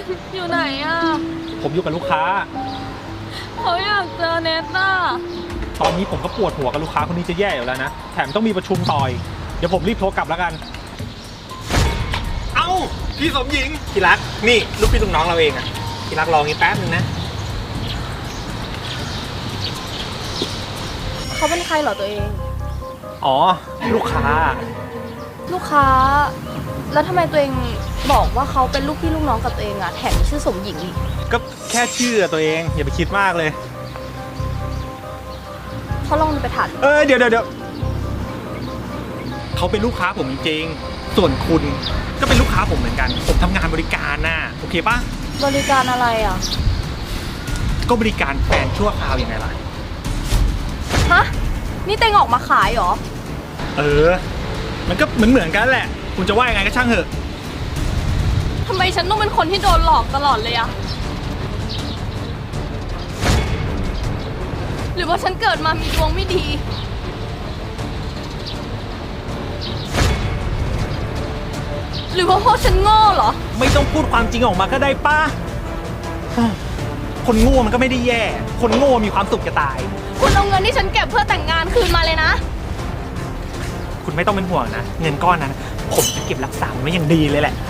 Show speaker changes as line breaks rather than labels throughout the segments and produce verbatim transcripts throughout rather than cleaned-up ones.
อยู่ไหนอ่ะ
ผมอยู่กับลูกค้า
เขาอยากเจอเนทน่ะ
ตอนนี้ผมก็ปวดหัวกับลูกค้าคนนี้จะแย่อยู่แล้วนะแถมต้องมีประชุมต่อยเดี๋ยวผมรีบโทรกลับแล้วกันเอ้าพี่สมหญิงพี่รักนี่ลูกพี่ลูกน้องเราเองอะพี่รักรองี้แป๊บนึงนะ
เขาเป็นใครเหรอตัวเอง
อ๋อลูกค้า
ลูกค้าแล้วทำไมตัวเองบอกว่าเขาเป็นลูกพี่ลูกน้องกับตัวเองอะแถมชื่อสมหญิงอีก
ก็แค่ชื่อตัวเองอย่าไปคิดมากเลย
เขาลองไปถาม
เออเดี๋ยวเดี๋ยวเดี๋ยวเขาเป็นลูกค้าผมจริงๆส่วนคุณก็เป็นลูกค้าผมเหมือนกันผมทำงานบริการน่ะโอเคปะ
บริการอะไรอ่ะ
ก็บริการแฟนชั่วคราวยังไงล่ะ
ฮะนี่เต็งออกมาขายเหรอ
เออมันก็เหมือนเหมือนกันแหละคุณจะว่ายังไงก็ช่างเถอะ
ทำไมฉันต้องเป็นคนที่โดนหลอกตลอดเลยอะหรือว่าฉันเกิดมามีดวงไม่ดีหรือว่าพวกฉันโง่เหรอ
ไม่ต้องพูดความจริงออกมาก็ได้ป้าคนโง่มันก็ไม่ได้แย่คนโง่มีความสุขจะตาย
คุณเอาเงินที่ฉันเก็บเพื่อแต่งงานคืนมาเลยนะ
คุณไม่ต้องเป็นห่วงนะเงินก้อนนั้นผมจะเก็บรักษาไว้อย่างดีเลยแหละ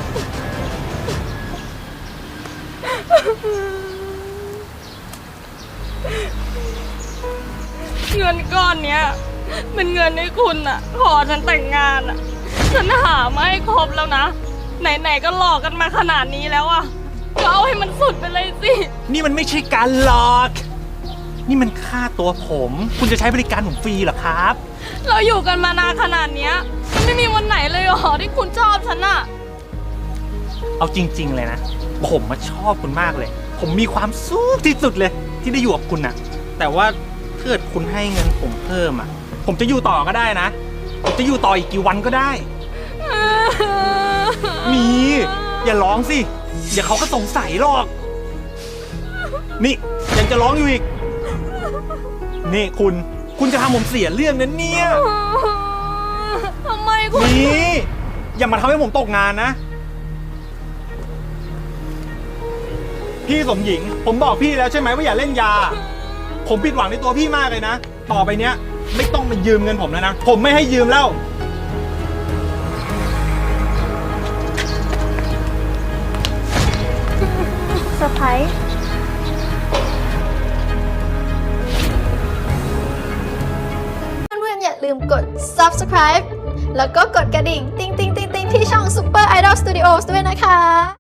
เงินก้อนเนี้ยเป็นเงินให้คุณอะขอฉันแต่งงานอะฉันหามาให้ครบแล้วนะไหนๆก็หลอกกันมาขนาดนี้แล้วอะก็เอาให้มันสุดไปเลยสิ
นี่มันไม่ใช่การหลอกนี่มันค่าตัวผมคุณจะใช้บริการผมฟรีเหรอครับ
เราอยู่กันมานานขนาดเนี้ยมันไม่มีวันไหนเลยหรอที่คุณชอบฉันอะ
เอาจริงๆเลยนะผมมาชอบคุณมากเลยผมมีความสุขที่สุดเลยที่ได้อยู่กับคุณน่ะแต่ว่าถ้าเกิดคุณให้เงินผมเพิ่มอ่ะผมจะอยู่ต่อก็ได้นะผมจะอยู่ต่ออีกกี่วันก็ได้มีอย่าร้องสิเดี๋ยวเขาก็สงสัยหรอกนี่ยังจะร้องอยู่อีกนี่คุณคุณจะทำผมเสียเรื่องนั้นเนี่ย
ทำไมคุณ
นี่อย่ามาทำให้ผมตกงานนะพี่สมหญิงผมบอกพี่แล้วใช่ไหมว่าอย่าเล่นยาผมผิดหวังในตัวพี่มากเลยนะต่อไปเนี้ยไม่ต้องมายืมเงินผมแล้วนะผมไม่ให้ยืมแล้ว
เซอร์ไพรส์
เพื่อนๆอย่าลืมกด ซับสไครบ์ แล้วก็กดกระดิ่ง ติ๊งติ๊งติ๊งติ๊งที่ช่อง Super Idol Studios ด้วยนะคะ